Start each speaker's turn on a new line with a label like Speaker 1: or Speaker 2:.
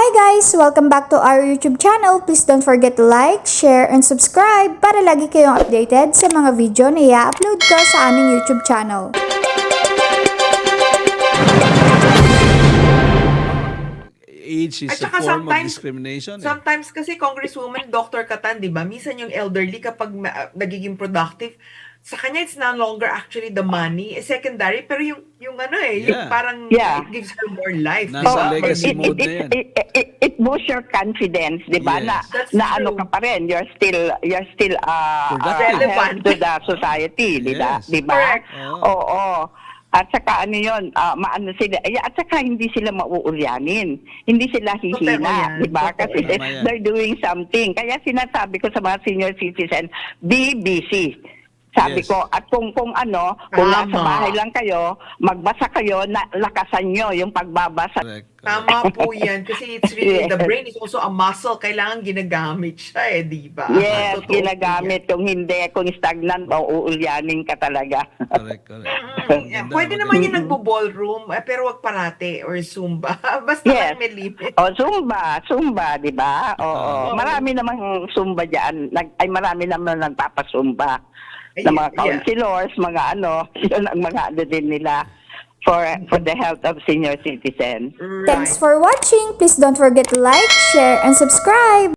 Speaker 1: guys! Welcome back to our YouTube channel. Please don't forget to like, share, and subscribe para lagi kayong updated sa mga video na i-upload ko sa aming YouTube channel.
Speaker 2: Age is a form of discrimination.
Speaker 3: Sometimes kasi Congresswoman Dr. Catan, di ba? Minsan yung elderly kapag nagiging productive, sa kanya it's no longer actually the money, secondary, pero yung ano yung parang it gives her more life.
Speaker 2: Nasa legacy mode na yan.
Speaker 4: It boosts your confidence, di ba?
Speaker 2: Yes.
Speaker 4: Na ano ka pa rin, you're still relevant to the society, di ba?
Speaker 2: Yes.
Speaker 4: Di ba? Oo. At saka ano yun, maano sila, at saka hindi sila mauulyanin. Hindi sila hihina, di ba? Kasi they're doing something. Kaya sinasabi ko sa mga senior citizen, be busy. Sabi ko, at kung nasa bahay lang kayo, magbasa kayo, lakasan nyo yung pagbabasa.
Speaker 3: Tama po yan. Kasi it's really, the brain is also a muscle. Kailangan ginagamit siya di ba?
Speaker 4: Yes, ginagamit. Kung hindi, kung stagnant, mauulyanin ka talaga.
Speaker 2: Correct.
Speaker 3: Pwede naman yung nagbo-ballroom, pero wag parate, or Zumba. Basta lang may limit.
Speaker 4: Zumba, di ba? Oo. Marami namang Zumba dyan. Marami naman nagpapasumba. Na mga councilors, mga yun ang mga din nila for the health of senior citizens.
Speaker 1: Thanks for watching. Please don't forget to like, share, and subscribe.